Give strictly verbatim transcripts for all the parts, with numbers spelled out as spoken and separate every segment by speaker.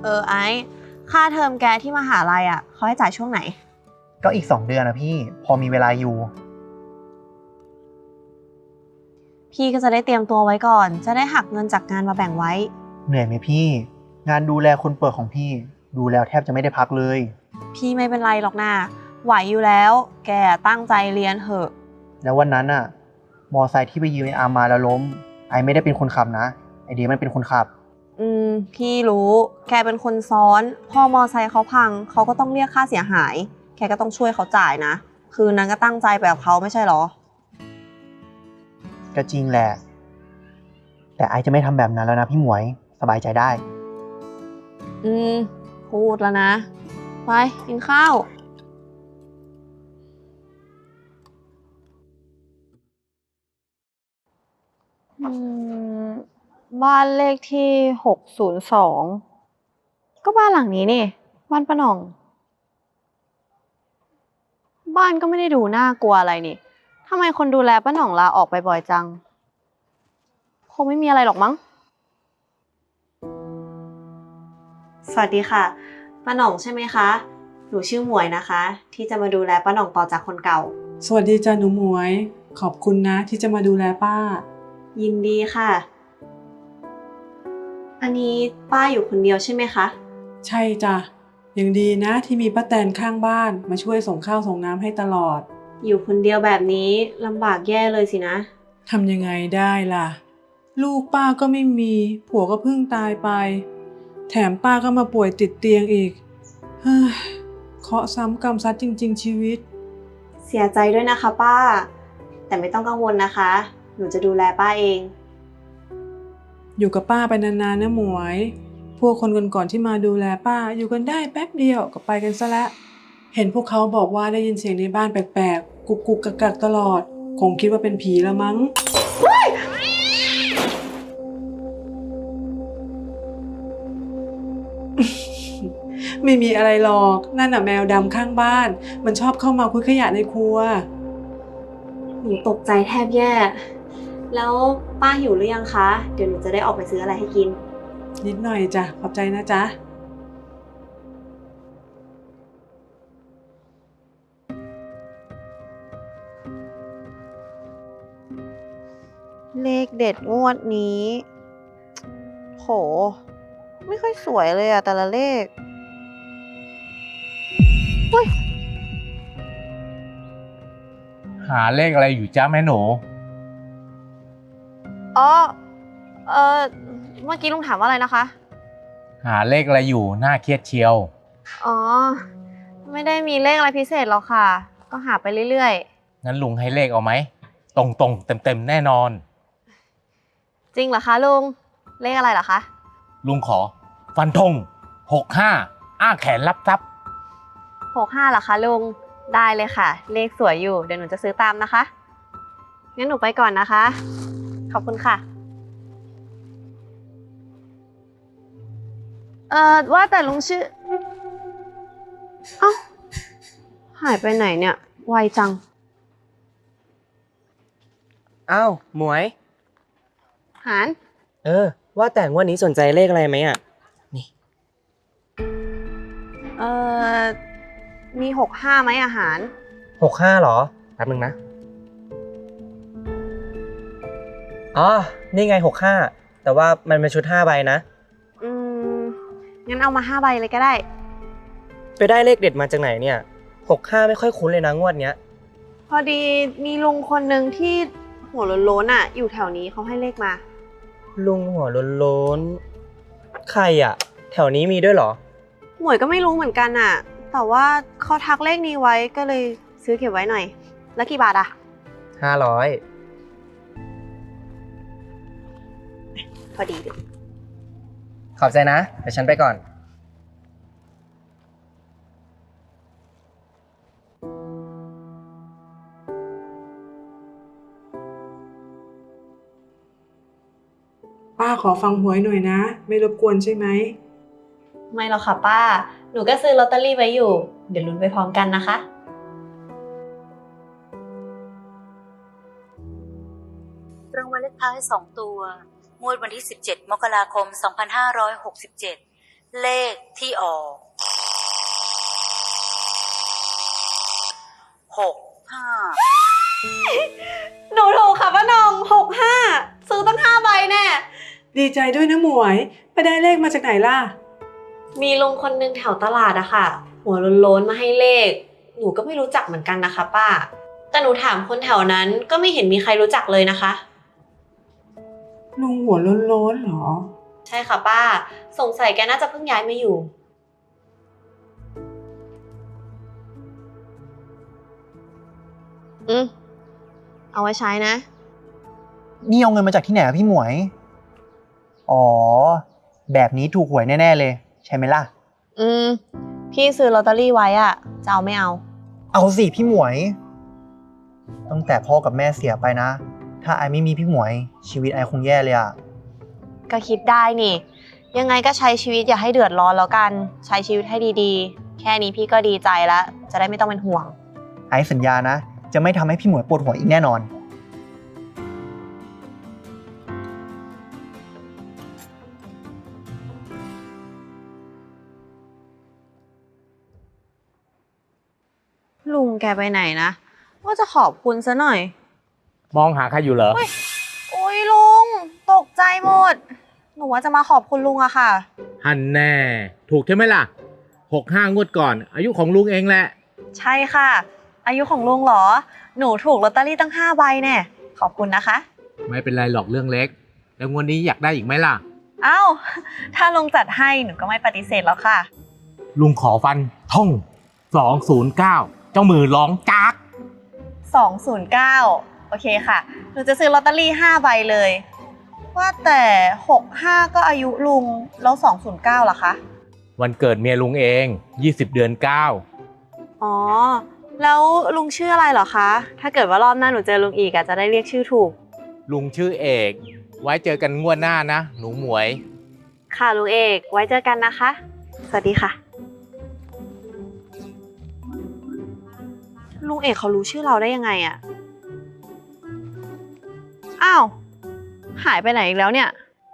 Speaker 1: เออไอ้ค่าเทอมแกที่มหาลัยอ่ะเขาให้จ่ายช่วงไหน
Speaker 2: ก็อีกสองเดือนนะพี่พอมีเวลาอยู่
Speaker 1: พี่ก็จะได้เตรียมตัวไว้ก่อนจะได้หักเงินจากงานมาแบ่งไว้
Speaker 2: เหนื่อยไหมพี่งานดูแลคนป่วยของพี่ดูแล้วแทบจะไม่ได้พักเลย
Speaker 1: พี่ไม่เป็นไรหรอกนะไหวอยู่แล้วแกตั้งใจเรียนเถอะ
Speaker 2: แล้ววันนั้นอ่ะมอไซค์ที่ไปยืมไออาร์มมาแล้วล้มไอไม่ได้เป็นคนขับนะไอเดียมันเป็นคนขับ
Speaker 1: อืมพี่รู้แกเป็นคนซ้อนพอมอไซค์เขาพังเขาก็ต้องเรียกค่าเสียหายแกก็ต้องช่วยเขาจ่ายนะคืนนั้นก็ตั้งใจไปกับเขาไม่ใช่หรอ
Speaker 2: ก็จริงแหละแต่ไอจะไม่ทำแบบนั้นแล้วนะพี่หมวยสบายใจได้
Speaker 1: อืมพูดแล้วนะไปกินข้าวอืมบ้านเลขที่หกศูนย์สองก็บ้านหลังนี้นี่บ้านป้าหน่องบ้านก็ไม่ได้ดูน่ากลัวอะไรนี่ทำไมคนดูแลป้าหน่องลาออกไปบ่อยจังคงไม่มีอะไรหรอกมั้งสวัสดีค่ะป้าหน่องใช่ไหมคะหนูชื่อหมวยนะคะที่จะมาดูแลป้าหน่องต่อจากคนเก่า
Speaker 3: สวัสดีจ้าหนูหมวยขอบคุณนะที่จะมาดูแลป้า
Speaker 1: ยินดีค่ะอันนี้ป้าอยู่คนเดียวใช่ไหมคะ
Speaker 3: ใช่จ้ะยังดีนะที่มีป้าแตนข้างบ้านมาช่วยส่งข้าวส่งน้ำให้ตลอด
Speaker 1: อยู่คนเดียวแบบนี้ลำบากแย่เลยสินะ
Speaker 3: ทำยังไงได้ล่ะลูกป้าก็ไม่มีผัวก็เพิ่งตายไปแถมป้าก็มาป่วยติดเตียงอีกเฮ้ยเคราะห์ซ้ำกรรมซัดจริงๆชีวิต
Speaker 1: เสียใจด้วยนะคะป้าแต่ไม่ต้องกังวลนะคะหนูจะดูแลป้าเอง
Speaker 3: อยู่กับป้าไปนานๆนะหมวยพวกคนก่อนๆที่มาดูแลป้าอยู่กันได้แป๊บเดียวก็ไปกันซะละเห็นพวกเขาบอกว่าได้ยินเสียงในบ้านแปลกๆกุกกุกกักกักตลอดคงคิดว่าเป็นผีละมั้งไม่มีอะไรหรอกนั่นน่ะแมวดำข้างบ้านมันชอบเข้ามาคุยขยะในครัว
Speaker 1: หนูตกใจแทบแย่แล้วป้าหิวหรือยังคะเดี๋ยวหนูจะได้ออกไปซื้ออะไรให้กิน
Speaker 3: นิดหน่อยจ้ะขอบใจนะจ๊ะ
Speaker 1: เลขเด็ดงวดนี้โหไม่ค่อยสวยเลยอะแต่ละเลขเฮ้ย
Speaker 4: หาเลขอะไรอยู่จ้าแม่หนู
Speaker 1: อ๋อเออเมื่อกี้ลุงถามว่าอะไรนะคะ
Speaker 4: หาเลขอะไรอยู่น่าเครียดเชียว
Speaker 1: อ๋อไม่ได้มีเลขอะไรพิเศษหรอกค่ะก็หาไปเรื่อย
Speaker 4: งั้นลุงให้เลขเอาไหมตรงตรงเต็มเต็มแน่นอน
Speaker 1: จริงเหรอคะลุงเลขอะไรเหรอคะ
Speaker 4: ลุงขอฟันธงหกห้าอ้าแขนรับทรัพย์
Speaker 1: หกห้าเหรอคะลุงได้เลยค่ะเลขสวยอยู่เดี๋ยวหนูจะซื้อตามนะคะงั้นหนูไปก่อนนะคะขอบคุณค่ะเอ่อว่าแต่ลุงชื่อเอ้าหายไปไหนเนี่ยไวจัง
Speaker 5: อ้าวหมวย
Speaker 1: หาน
Speaker 5: เออว่าแต่งวันนี้สนใจเลขอะไรไหมอ่ะนี่
Speaker 1: เอ่อมีหกห้าไหมอาหาร
Speaker 5: หกห้าหรอแป๊บนึงนะอ๋อนี่ไงหกห้าแต่ว่ามันเป็นชุดห้าใบนะ
Speaker 1: อืมงั้นเอามาห้าใบเลยก็ได้
Speaker 5: ไปได้เลขเด็ดมาจากไหนเนี่ยหกห้าไม่ค่อยคุ้นเลยนะงวดเนี้ย
Speaker 1: พอดีมีลุงคนหนึ่งที่หัวโล้นๆอ่ะอยู่แถวนี้เขาให้เลขมา
Speaker 5: ลุงหัวโล้นๆใครอ่ะแถวนี้มีด้วยเหรอ
Speaker 1: หมวยก็ไม่รู้เหมือนกันอ่ะแต่ว่าเขาทักเลขนี้ไว้ก็เลยซื้อเก็บไว้หน่อยแล้วกี่บาทอ่ะ
Speaker 5: ห้าร้อย
Speaker 1: พอดีเลย
Speaker 5: ขอบใจนะเดี๋ยวฉันไปก่อน
Speaker 3: ป้าขอฟังหวยหน่อยนะไม่รบกวนใช่ไหม
Speaker 1: ไม่หรอกค่ะป้าหนูก็ซื้อลอตเตอรี่ไว้อยู่เดี๋ยวลุ้นไปพร้อมกันนะคะ
Speaker 6: รางวัลเลขท้ายสองตัวงวดวันที่สิบเจ็ดมกราคมสองพันห้าร้อยหกสิบเจ็ดเลขที่ออกหกห้า
Speaker 1: หนูถูกค่ะป้าหน่องหกห้าซื้อตั้งห้าใบแน่
Speaker 3: ดีใจด้วยนะหมวย ไปได้เลขมาจากไหนล่ะ
Speaker 1: มีลุงคนนึงแถวตลาดอะค่ะ หัวโล้นๆมาให้เลข หนูก็ไม่รู้จักเหมือนกันนะคะป้า แต่หนูถามคนแถวนั้นก็ไม่เห็นมีใครรู้จักเลยนะคะ
Speaker 3: ลุงหัวโล้นๆเหรอ
Speaker 1: ใช่ค่ะป้า สงสัยแกน่าจะเพิ่งย้ายมาอยู่ อืมเอาไว้ใช้นะ
Speaker 2: นี่เอาเงินมาจากที่ไหนอะพี่หมวย อ๋อ แบบนี้ถูกหวยแน่ๆเลย ใช่ไหมล่ะ
Speaker 1: อืม พี่ซื้อลอตเตอรี่ไว้อะจะเอาไม่เอา
Speaker 2: เอาสิพี่หมวย ตั้งแต่พ่อกับแม่เสียไปนะ ถ้าไอไม่มีพี่หมวย ชีวิตไอคงแย่เลยอะ
Speaker 1: ก็คิดได้นี่ ยังไงก็ใช้ชีวิตอย่าให้เดือดร้อนแล้วกัน ใช้ชีวิตให้ดีๆ แค่นี้พี่ก็ดีใจแล้ว จะได้ไม่ต้องเป็นห่วง
Speaker 2: ไอสัญญานะ จะไม่ทำให้พี่หมวยปวดหัวอีกแน่นอน
Speaker 1: ลุงแกไปไหนนะ ว่าจะขอบคุณซะหน่อย
Speaker 4: มองหาใครอยู่เหรอ
Speaker 1: โอ้ยลุง ตกใจหมด หนูว่าจะมาขอบคุณลุงอะค่ะ
Speaker 4: ฮันแน่ ถูกใช่ไหมล่ะหกห้างวดก่อน อายุของลุงเองแหละ
Speaker 1: ใช่ค่ะ อายุของลุงเหรอ หนูถูกลอตเตอรี่ตั้งห้าใบแน่ขอบคุณนะคะ
Speaker 4: ไม่เป็นไรหรอกเรื่องเล็ก แล้วงวดนี้อยากได้อีกไหมล่ะ
Speaker 1: เอ้า ถ้าลุงจัดให้หนูก็ไม่ปฏิเสธแล้วค่ะ
Speaker 4: ลุงขอฟันท่องสองศูนย์เก้าเจ้ามือร้องจาก
Speaker 1: สองศูนย์เก้า โอเคค่ะ หนูจะซื้อลอตเตอรี่ห้าใบเลย ว่าแต่หกห้าก็อายุลุง แล้วสองศูนย์เก้าล่ะคะ
Speaker 4: วันเกิดเมียลุงเองยี่สิบเดือนเก้า
Speaker 1: อ๋อ แล้วลุงชื่ออะไรเหรอคะ ถ้าเกิดว่ารอบหน้าหนูเจอลุงอีกอะจะได้เรียกชื่อถูก
Speaker 4: ลุงชื่อเอก ไว้เจอกันงวดหน้านะ หนูหมวย
Speaker 1: ค่ะลุงเอก ไว้เจอกันนะคะ สวัสดีค่ะ ลุงเอกเขารู้ชื่อเราได้ยังไงอะอ้าว หายไปไหนอีกแล้วเนี่ย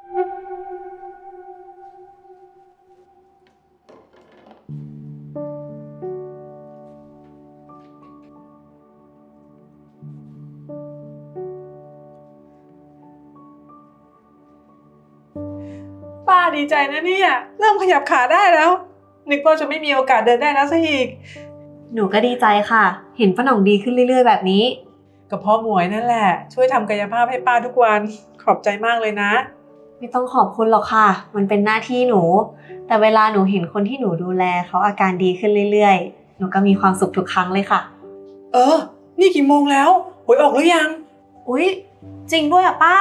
Speaker 3: ป้าดีใจนะเนี่ย เริ่มขยับขาได้แล้ว นึกว่าจะไม่มีโอกาสเดินได้แล้วซะอีก
Speaker 1: หนูก็ดีใจค่ะ เห็นป้าหน่องดีขึ้นเรื่อยๆแบบนี้
Speaker 3: ก็เพราะหมวยนั่นแหละ ช่วยทำกายภาพให้ป้าทุกวัน ขอบใจมากเลยนะ
Speaker 1: ไม่ต้องขอบคุณหรอกค่ะ มันเป็นหน้าที่หนู แต่เวลาหนูเห็นคนที่หนูดูแลเขาอาการดีขึ้นเรื่อยๆ หนูก็มีความสุขทุกครั้งเลยค่ะ
Speaker 3: เออ นี่กี่โมงแล้วหวยออกหรือยัง
Speaker 1: อุ๊ย จริงด้วยอ่ะป้า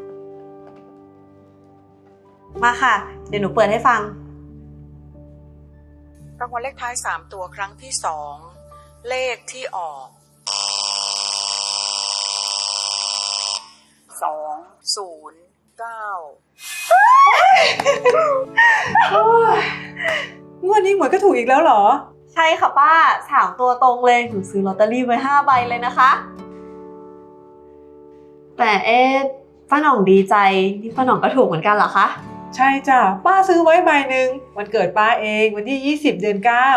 Speaker 1: มาค่ะ เดี๋ยวหนูเปิดให้ฟัง
Speaker 6: รางวัลเลขท้ายสามตัวครั้งที่สองเลขที่ออกสองศูนย์เก้า
Speaker 3: งวดนี้หมวยก็ถูกอีกแล้วเหรอ
Speaker 1: ใช่ค่ะป้าสามตัวตรงเลย หนูซื้อลอตเตอรี่ไว้ห้าใบเลยนะคะ แต่เอ๊ะป้าหน่องดีใจ นี่ป้าหน่องก็ถูกเหมือนกันเหรอคะ
Speaker 3: ใช่จ้ะ ป้าซื้อไว้ใบหนึ่งวันเกิดป้าเองวันที่ยี่สิบเดือนเก้า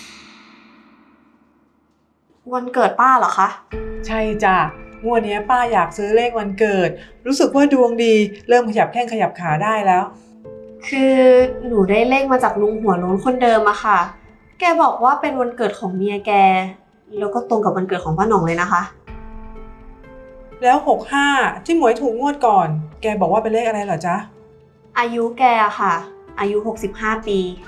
Speaker 1: วันเกิดป้าเหรอคะ
Speaker 3: ใช่จ้ะ งวดนี้ป้าอยากซื้อเลขวันเกิด รู้สึกว่าดวงดี เริ่มขยับแข้งขยับขาได้แล้ว
Speaker 1: คือหนูได้เลขมาจากลุงหัวโล้นคนเดิมอะค่ะ แกบอกว่าเป็นวันเกิดของเมียแก แล้วก็ตรงกับวันเกิดของป้าหน่องเลยนะคะ
Speaker 3: แล้วหกห้าที่หมวยถูกงวดก่อน แกบอกว่าเป็นเลขอะไรเหรอจ๊ะ
Speaker 1: อายุแกอะค่ะ อายุหกสิบห้าปี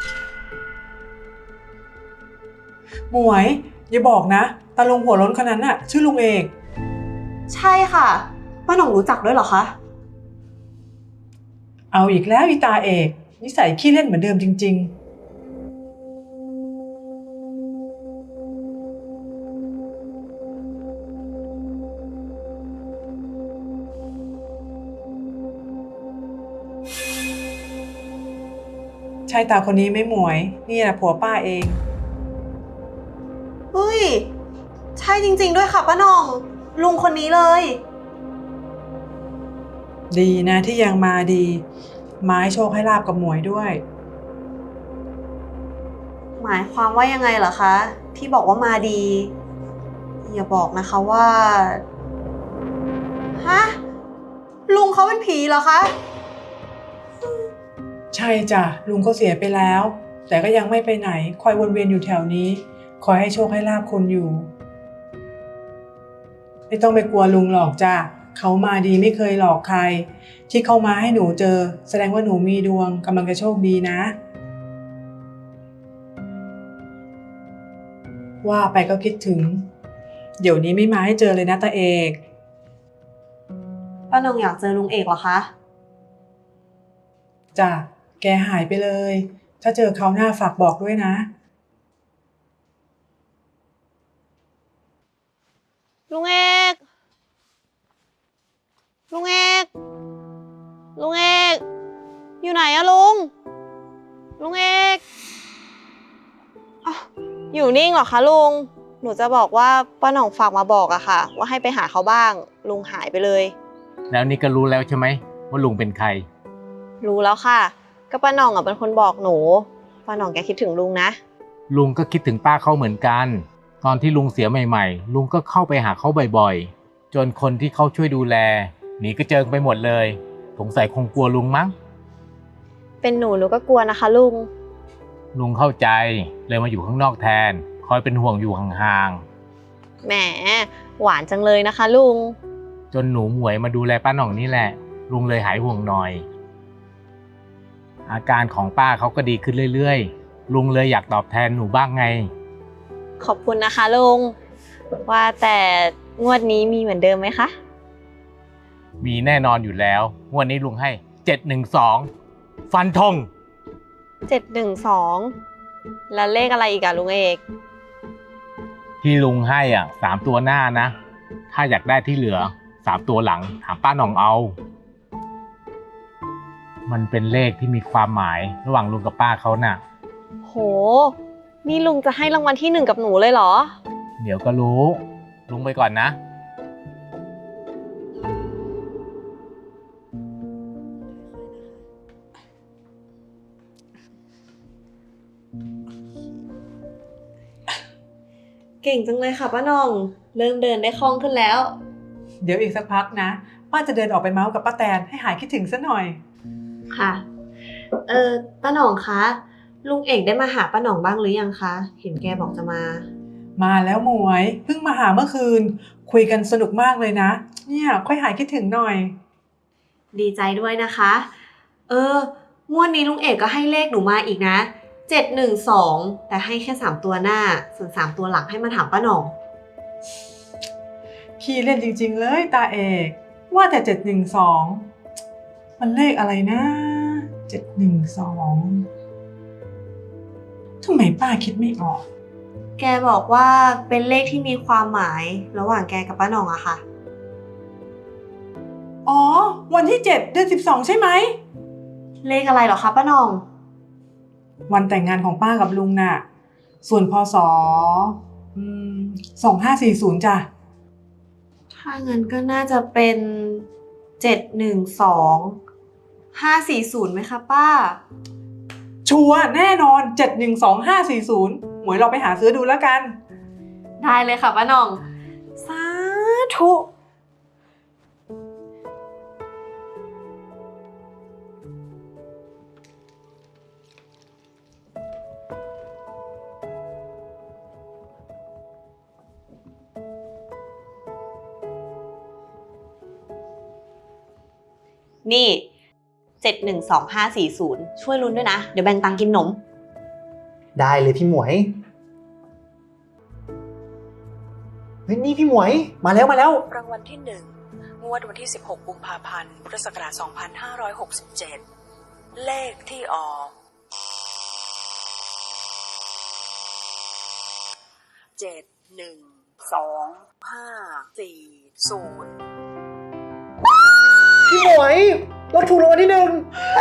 Speaker 3: หมวยอย่าบอกนะตาลุงหัวล้นคนนั้นน่ะชื่อลุงเอก
Speaker 1: ใช่ค่ะ ป้าหน่องรู้จักด้วยเหรอคะ
Speaker 3: เอาอีกแล้วอีตาเอกนิสัยขี้เล่นเหมือนเดิมจริงๆ ใช่ตาคนนี้ไหม่หมวยนี่แหละผัวป้าเอง
Speaker 1: เฮ้ย ใช่จริงๆด้วยค่ะป้าหน่อง ลุงคนนี้เลย
Speaker 3: ดีนะที่ยังมาดีไม้โชคให้ลาบกับหมวยด้วย
Speaker 1: หมายความว่ายังไงเหรอคะ ที่บอกว่ามาดี อย่าบอกนะคะว่า ฮะ ลุงเขาเป็นผีเหรอคะ
Speaker 3: ใช่จ้ะลุงก็เสียไปแล้ว แต่ก็ยังไม่ไปไหนคอยวนเวียนอยู่แถวนี้คอยให้โชคให้ลาภคนอยู่ไม่ต้องไปกลัวลุงหรอกจ้ะเขามาดีไม่เคยหลอกใครที่เขามาให้หนูเจอแสดงว่าหนูมีดวงกำลังจะโชคดีนะ ว่าไปก็คิดถึง เดี๋ยวนี้ไม่มาให้เจอเลยนะตาเอก
Speaker 1: ป้านงอยากเจอลุงเอกเหรอคะ
Speaker 3: จ้ะแกหายไปเลย ถ้าเจอเขาหน้าฝากบอกด้วยนะ
Speaker 1: ลุงเอก ลุงเอก ลุงเอก อยู่ไหนอะลุง ลุงเอกอ้าวอยู่นิ่งเหรอคะลุง หนูจะบอกว่าป้าหน่องฝากมาบอกอะค่ะ ว่าให้ไปหาเขาบ้าง ลุงหายไปเลย
Speaker 4: แล้วนี่ก็รู้แล้วใช่ไหมว่าลุงเป็นใคร
Speaker 1: รู้แล้วค่ะ ก็ป้าหน่องอะเป็นคนบอกหนู ป้าหน่องแกคิดถึงลุงนะ
Speaker 4: ลุงก็คิดถึงป้าเขาเหมือนกัน ตอนที่ลุงเสียใหม่ๆ ลุงก็เข้าไปหาเขาบ่อยๆ จนคนที่เขาช่วยดูแลหนีกระเจิงไปหมดเลย สงสัยคงกลัวลุงมั้ง
Speaker 1: เป็นหนูหนูก็กลัวนะคะลุง
Speaker 4: ลุงเข้าใจเลยมาอยู่ข้างนอกแทน คอยเป็นห่วงอยู่ห่าง
Speaker 1: แหม หวานจังเลยนะคะลุง
Speaker 4: ๆ จนหนูหมวยมาดูแลป้าหน่องนี่แหละ ลุงเลยหายห่วงหน่อย อาการของป้าเขาก็ดีขึ้นเรื่อยๆ ลุงเลยอยากตอบแทนหนูบ้างไง
Speaker 1: ขอบคุณนะคะลุง ว่าแต่งวดนี้มีเหมือนเดิมไหมคะ
Speaker 4: มีแน่นอนอยู่แล้วงวดนี้ลุงให้เจ็ดหนึ่งสองฟันธง
Speaker 1: เจ็ดหนึ่งสอง แล้วเลขอะไรอีกอะลุงเอก
Speaker 4: ที่ลุงให้อ่ะสามตัวหน้านะ ถ้าอยากได้ที่เหลือสามตัวหลังถามป้าหน่องเอา มันเป็นเลขที่มีความหมายระหว่างลุงกับป้าเขาน่ะ
Speaker 1: โห นี่ลุงจะให้รางวัลที่หนึ่งกับหนูเลยเหรอ
Speaker 4: เดี๋ยวก็รู้ ลุงไปก่อนนะ
Speaker 1: เก่งจังเลยค่ะป้าหน่อง เริ่มเดินได้คล่องขึ้นแล้ว
Speaker 3: เดี๋ยวอีกสักพักนะป้าจะเดินออกไปเมาส์กับป้าแตนให้หายคิดถึงซะหน่อย
Speaker 1: ค่ะ เออป้าหน่องคะ ลุงเอกได้มาหาป้าหน่องบ้างหรือยังคะ เห็นแกบอกจะมา
Speaker 3: มาแล้วหมวยเพิ่งมาหาเมื่อคืน คุยกันสนุกมากเลยนะเนี่ยค่อยหายคิดถึงหน่อย
Speaker 1: ดีใจด้วยนะคะ เอองวดนี้ลุงเอกก็ให้เลขหนูมาอีกนะ เจ็ดหนึ่งสอง แต่ให้แค่สามตัวหน้า ส่วนสามตัวหลังให้มาถามป้าหน่อง
Speaker 3: พี่เล่นจริงๆเลยตาเอกว่าแต่เจ็ดหนึ่งสองมันเลขอะไรนะเจ็ดหนึ่งสองทำไมป้าคิดไม่ออก
Speaker 1: แกบอกว่าเป็นเลขที่มีความหมายระหว่างแกกับป้าหน่องอะค่ะ
Speaker 3: อ๋อวันที่เจ็ดเดือนสิบสองใช่ไหม
Speaker 1: เลขอะไรเหรอคะป้าหน่อง
Speaker 3: วันแต่งงานของป้ากับลุงน่ะส่วนพศอืมสองห้าสี่ศูนย์จ้ะ
Speaker 1: ถ้างั้นก็น่าจะเป็นเจ็ดหนึ่งสอง ห้าสี่ศูนย์ไหมคะป้า
Speaker 3: ชัวร์แน่นอนเจ็ดหนึ่งสองห้าสี่ศูนย์หมวยเราไปหาซื้อดูแล้วกัน
Speaker 1: ได้เลยค่ะป้าหน่อง สาธุ นี่ เจ็ดหนึ่งสองห้าสี่ศูนย์ ช่วยลุ้นด้วยนะ เดี๋ยวแบ่งตังค์กินนม
Speaker 2: ได้เลยพี่หมวย เฮ้ยนี่พี่หมวย มาแล้วมาแล้ว
Speaker 6: รางวัลที่หนึ่งงวดวันที่สิบหกกุมภาพันธ์พุทธศักราชสองพันห้าร้อยหกสิบเจ็ดเลขที่ออกเจ็ดหนึ่งสองห้าสี่ศูนย์
Speaker 2: พี่หมวยเราถูกรางวัลที่หนึ่ง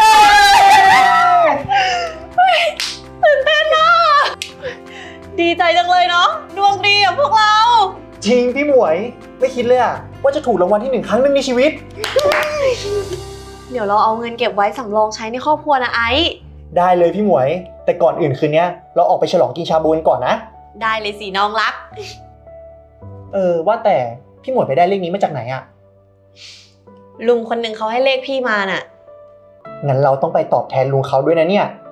Speaker 1: ตื่นเต้นอะดีใจจังเลยเนาะ ดวงดีอะพวกเรา
Speaker 2: จริงพี่หมวย ไม่คิดเลยอะว่าจะถูกรางวัลที่หนึ่งครั้งหนึ่งในชีวิต
Speaker 1: เดี๋ยวเราเอาเงินเก็บไว้สำรองใช้ในครอบครัวนะไอซ์
Speaker 2: ได้เลยพี่หมวย แต่ก่อนอื่นคืนนี้เราออกไปฉลองกินชาบูกันก่อนนะ
Speaker 1: ได้เลยสิน้องรัก
Speaker 2: เออว่าแต่พี่หมวยไปได้เลขนี้มาจากไหนอะ
Speaker 1: ลุงคนหนึ่งเขาให้เลขพี่มาน่ะ
Speaker 2: งั้นเราต้องไปตอบแทนลุงเขาด้วยนะเนี่ย